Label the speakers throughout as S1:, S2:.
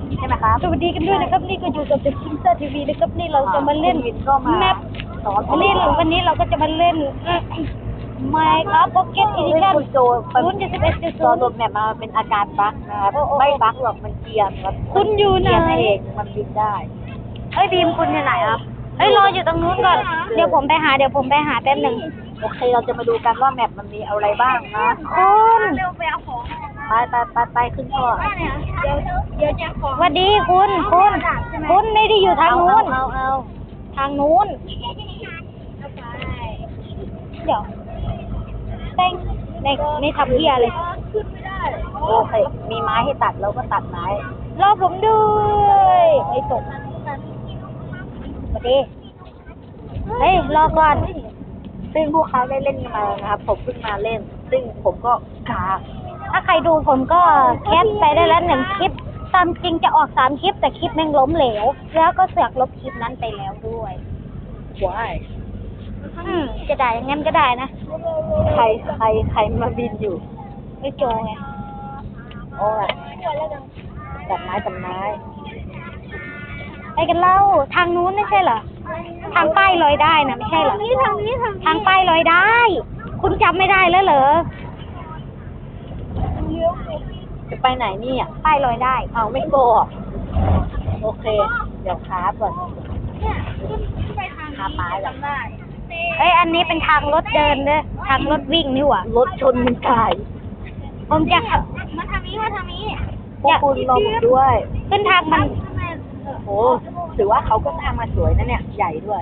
S1: ใช่ไหมครับ
S2: สวัสดีกันด้วยนะครับนี่ก็อยู่กับ The King Star TV นะครับนี่เราจะมาเล่น
S1: วินก็มา
S2: แมป
S1: สอนผม
S2: วันนี้เราก็จะมาเล่น Minecraft Pocket
S1: ซึ่ง
S2: Edition
S1: คุณโจตอนโหลดแมปมาเป็นอาการบั๊กนะครับไม่บั๊กหรอกมันเกรียนครับ
S2: คุณอยู่ไหน
S1: เกรียนเองมันบินได้
S2: เฮ้ยบีมคุณอยู่ไหนครับเฮ้ยรออยู่ตรงนู้นก่อนเดี๋ยวผมไปหาแป๊บหนึ่ง
S1: โอเคเราจะมาดูกันว่าแมปมันมีอะไรบ้างนะ
S2: คุณ
S1: ไปขึ้นก่อน
S2: เดี๋ยวจะขอสวัสดีคุณไม่ได้อยู่ทางนู้น
S1: เอา
S2: ทางนู้นเดี๋ยวแป้งไม่ทำเหี้ยเลย
S1: โอเคมีไม้ให้ตัดเราก็ตัดไม้
S2: รอผมด้วยไอ้ตกสวัสดีเฮ้ยรอก่อน
S1: ซึ่งพวกเขาได้เล่นกันมานะครับผมเพิ่งมาเล่น ซึ่งผมก็กา
S2: ถ้าใครดูผมก็แคปไปได้แล้ว1 คลิปตามจริงจะออก3 คลิปแต่คลิปแม่งล้มเหลวแล้วก็เสือกลบคลิปนั้นไปแล้วด้วย
S1: ว้าย
S2: จะได้อย่างงั้นก็ได้นะ
S1: ใครมาบินอยู่
S2: ไอ้โจไง
S1: โอ้ยตัดไม้
S2: ไปกันเล่าทางนู้นไม่ใช่เหรอทางป้ายลอยได้นะไม่ใช่เหรอทางป้ายลอยได้ คุณจำไม่ได้แล้วเหรอ
S1: จะไปไหนเนี่ย
S2: ป้ายลอยได้
S1: เอาไม่โกะโอเค เดี๋ยวคราฟก่อนคราฟไม้ก่อน
S2: เอ้ยอันนี้เป็นทางรถเดินเด้อทางรถวิ่งนี่หว่าร
S1: ถชนมันตาย
S2: ผมจะขับ
S1: พวกคุณรอผมด้วย
S2: ขึ้นทางมัน
S1: โอ้ถือว่าเขาก็สร้างมาสวยนะเนี่ย ใหญ่ด้วย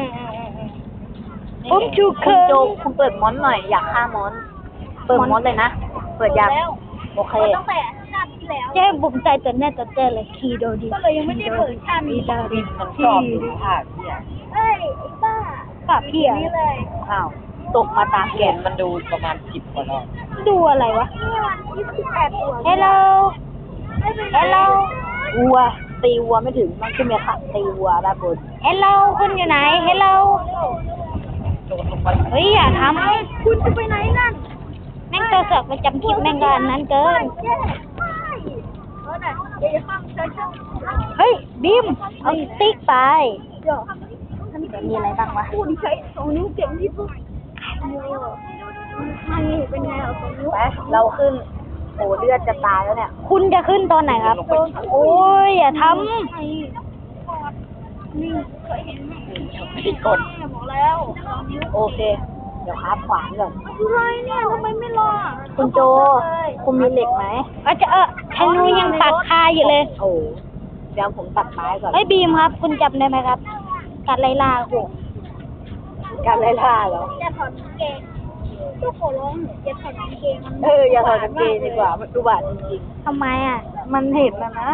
S2: ผมชู
S1: คุ
S2: เคิ
S1: ณ
S2: ร์
S1: โจคุณเปิดมอนหน่อย อยากฆ่ามอน เปิดมอนเลยนะ เปิดยังโอเค
S2: เจ๊บุ๋มใจจนแน่จนเจ๊เลยคีโดดีก็เลยยังไม่ได้เปิดชันคีโดดี
S1: มันชอบดูภาพเนี่ย
S2: ปากพี่อะ
S1: อ้าวตกมาตามแกนมันดูประมาณ10 กว่ารอบ
S2: ดูอะไรวะ Hello Hello
S1: วัวตีวัวไม่ถึงมันขึ้นมาค่ะตีวัวด้านบน
S2: Hello คุณอยู่ไหน Hello เฮ้ยอย่าทำคุณจะไปไหนนั่นแม่งตัวเสือกประจำคลิปแม่งก็อันนั้นเกินเฮ้ยบีมเอาสติ๊กไปมีอะไรบ้างวะ
S1: ไปเราขึ้นโอ้เลือดจะตายแล้วเนี่ย
S2: คุณจะขึ้นตอนไหนครับ โอ้ยอย่าท
S1: ผิดกฎโอเค เดี๋ยวครับขวานก่อน
S2: อะไรเนี่ยทำไมไม่รอ
S1: คุณโจ คุณมีเหล็กไหม
S2: อาจจะธนูยังปักคาอยู่เลย
S1: โอ้เดี๋ยวผมตัดไม้ก่อน
S2: เฮ้ยบีมครับ คุณจำได้ไหมครับ การไล่ล่าโห
S1: การไล่ล่าเหรอ
S2: อย่าถอดกางเกงทุกคนร้องอย่าถอดกางเกง
S1: อย่าถอดกางเกงดีกว่ามันดูบาดจริง
S2: ทำไมอ่ะ
S1: ๆมันเห็นนะนะ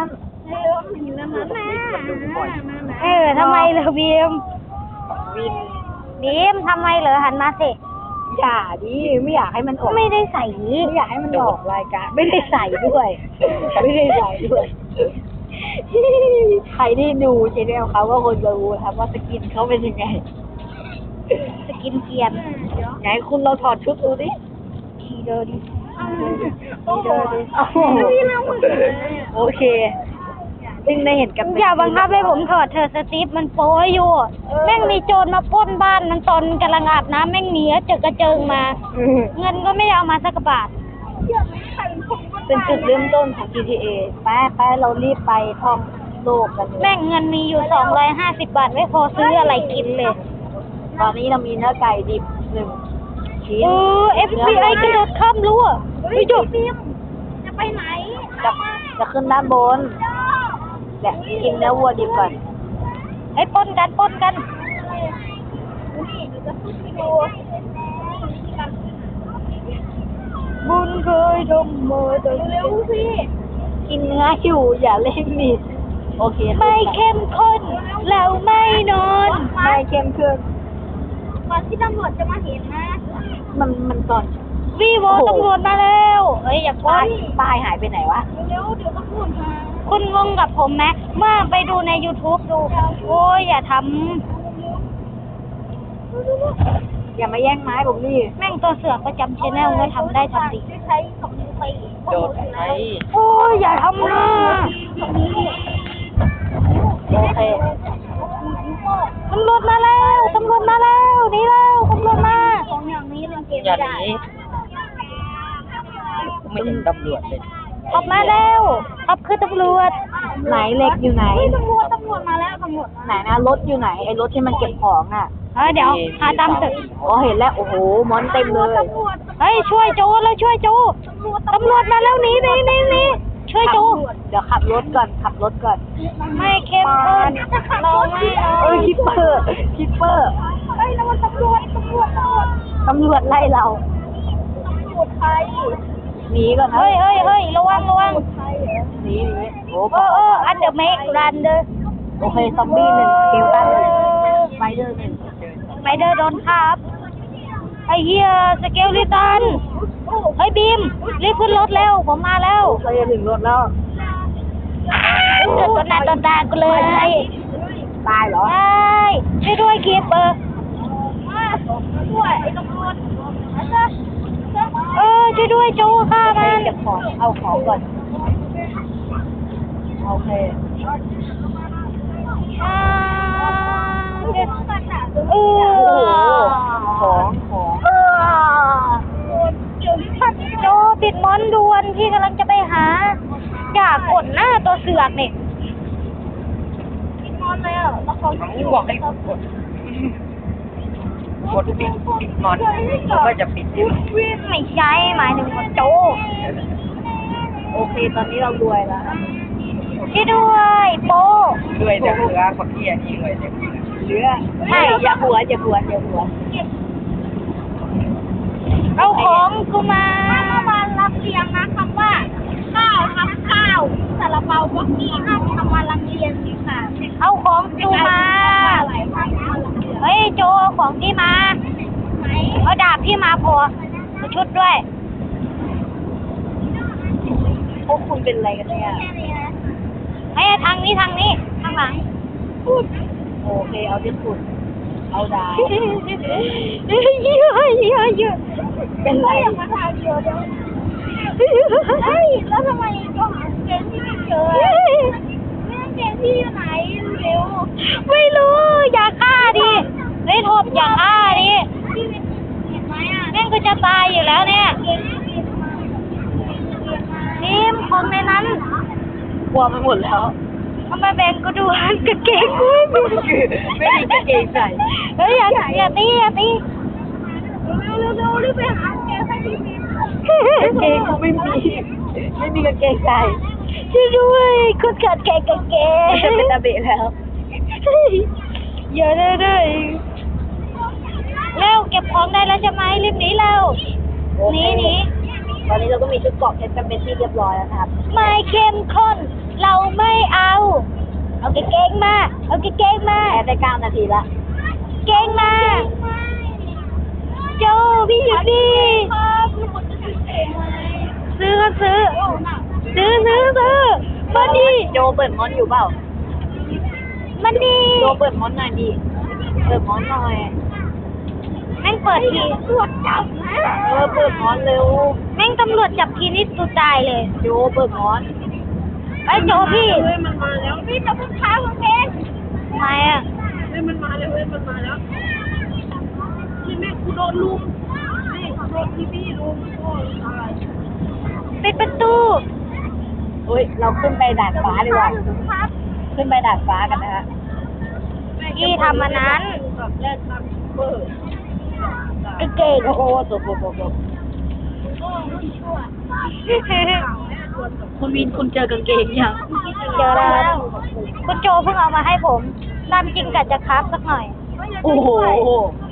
S2: ทำไมเหรอบีม
S1: วิน
S2: บีมทำไมเหรอหันมาสิ
S1: อย่าดิไม่อยากให้มันออก
S2: ไม่ได้ใส่
S1: ไม่อยากให้มันออกรายการไม่ได้ใส่ด้วย ไม่ได้ใส่ด้วย ใครที่ดูชแนลเขาก็คงจะรู้ครับว่าสกินเขาเป็นยังไง
S2: สกินเกียน
S1: ไหนคุณเราถอดชุดดูดิ
S2: ทีเดอร์ดิ
S1: โอ้โหโอเคซึ่งได้เห็นกับ
S2: อย่าบังคับให้ผมถอดเธอะสตีฟมันโป้อยู่ แม่งมีโจรมาปล้นบ้านมันตอนกำลังอาบน้ำแม่งหนีเจอกระเจิงมา เงินก็ไม่ได้เอามาสักบาท
S1: เป็นจุดเริ่มต้นของ GTA ไปเรารีบไปท่องโลกกันเลย
S2: แม่งเงินมีอยู่250 บาทไม่พอซื้ออะไรกินเลย
S1: ตอนนี้เรามีเนื้อไก่ดิบ1 ชิ้น
S2: FBI กระโดดข้ามรั้วไม่จบ
S1: จะขึ้นด้านบนแหละกินเนื้อวัวดิบก่อน
S2: ไอ้ปล้นกันบุญเคยทำมาแต่เร็วสิ
S1: กินเนื้ออยู่อย่าเล่นมีดโอเค
S2: ไม่เข้มข้นแล้วไม่นอน
S1: ไม่เข้มข้น
S2: ก่อนที่ตำรวจจะมาเห็นนะ
S1: มันก่อน
S2: วีโวตำรวจมาแล้วเฮ้ยอย่าปล้
S1: ป้ายหายไปไหนวะ
S2: เร็วเดี๋ยวตำรวจมาคุณงงกับผมไหมเมื่อไปดูใน YouTube ดูโอ้ยอย่าท
S1: อย่ามาแย่งไม้ผมนี่
S2: ำแม่งตัวเสือกประจำชแนลก็ทำได้ทำดี
S1: โดดไหม
S2: โอ้ยอย่าทำนะ
S3: อย่าหนีไม่เห็นตำรวจเลย
S2: ออกมาแล้วขับคือตำรวจ
S1: ไหนเล็กอยู่ไหน
S2: ตำรวจมาแล้วตำรวจ
S1: ไหนนะรถอยู่ไหนไอ้รถที่มันเก็บของอ่ะ
S2: เดี๋ยวหาตามตึก
S1: อ๋อเห็นแล้วโอ้โหมอนเต็มเลย
S2: เฮ้ยช่วยโจแล้วช่วยโจตำรวจมาแล้วหนีช่วยโจ
S1: เดี๋ยวขับรถก่อน
S2: ไม่เข้มข้นเราไม่
S1: คิปเปอร์
S2: เฮ้ยนั่นมันตำรวจ
S1: ตำรวจไล่เราหนีก่อนนะ
S2: เฮ้ยระวัง
S1: หนีโอ้
S2: อันเดอร์เมกรันเดอร์
S1: โอเคซอมบี้หนึ่งเกลตันไฟเดอร์หนึ่ง
S2: ไมเดอร์โดนครับไอ้เหี้ยสเกลลิตันเฮ้ยบีมรีบขึ้นรถแล้วผมมาแล้ว
S1: เราจะถึงรถแล้ว
S2: เกิดตัวหน้าตัวตากูเลย
S1: ตายเหรอ
S2: ช่วยด้วยคีปเปอร์ช่วยด้วยโจฆ่ามัน
S1: เก็บของเอาของก่อนโอเคของ
S2: โจติดมอนด่วนพี่กำลังจะไปหาอย่ากดหน้าตัวเสือกนี่ติดมอนเลยแล้วเขา
S3: เขาบอกให้กดปิดนอนเขาก็จะปิดที่
S2: ไม่ใช่หมายถึงว่าโจ
S1: โอเคตอนนี้เรารวยแล้ว
S2: ช่วยด้วยโป
S3: ด้วยแต่เรือคนที่อันนี้ด้วยเนี่ย
S1: เหลือไม่อย่าหัว
S2: เอาของกูมารับเรียงนะคำว่าข้าวทับข้าวซาลาเปาบ็อกกี้ห้ามทำมาลังเรียนสิค่ะเอาของกูมาเฮ้ยโจเอาของพี่มาเอาดาบพี่มาพอเอาชุดด้วย
S1: พวกคุณเป็นอะไรกันเนี่ย
S2: เฮ้ยทางนี้ข้างหลัง
S1: โอเคเอาที่สุดเอาดาว
S2: เยอะ
S1: เป็นไร
S2: เฮ้ยแล้วทำไมโจหาเกงที่ไม่เจอเกงที่อยู่ไหนเร็วไม่รู้อย่าฆ่าดิเฮ้ยโทษอย่าฆ่าดิแม่งก็จะตายอยู่แล้วเนี่ยทีมของในนั้น
S1: กลัวไปหมดแล้ว
S2: ทำไมแบ่งกูดูกางเกงกูไม่มี
S1: ไม่มีกางเกงใส่
S2: เฮ้ยอย่าตีเร็วรีบไปหากางเกงให้พี่มี
S1: กางเกงกูไม่มีกางเกงใส่
S2: ช่วยด้วยคุณขาดแกงกางเกง
S1: จะเป็นตาเบะแล้ว
S2: อย่าเลยเร็วเก็บของได้แล้วใช่ไหมรีบหนีเร็วหนี
S1: ตอนนี้เราก็มีชุดเกราะเพชรเป็นที่เรียบร้อยแล้วนะครับ
S2: ไม่เข้มข้นเราไม่เอากางเกงมา
S1: แอบได้9 นาทีละ
S2: เกงมาโจพี่อยู่ดีซื้อมาดี
S1: โจเปิดมอนอยู่เปล่า
S2: มันดี
S1: โจเปิดมอนหน่อยดิเปิดมอนหน่อย
S2: แม่งเปิดทีตำรวจจับนะ
S1: เปิดมอนเร็ว
S2: แม่งตำรวจจับทีนี่ตูตายเลย
S1: โจเปิดมอน
S2: ไอ้โจพี่
S1: มันมาแล้ว
S2: พี่จะพึ่งค้ากางเกงทำไมอ่ะ
S1: มันมาแล้วที่แม่กูโดนลุมโดนพี่ลุมโอ้ยตาย
S2: ปิดประตู
S1: เฮ้ยเราขึ้นไปดาดฟ้าดีกว่าขึ้นไปดาดฟ้ากันนะฮะ
S2: พี่ทำอันนั้น
S1: แรกตังเบอร์
S2: ไอ้เก่ง
S1: โอ้โหตกคุณวินคุณเจอกางเกงยัง
S2: เจอแล้วคุณโจเพิ่งเอามาให้ผมตามจริงกะจะครับสักหน่อย
S1: โอ้โห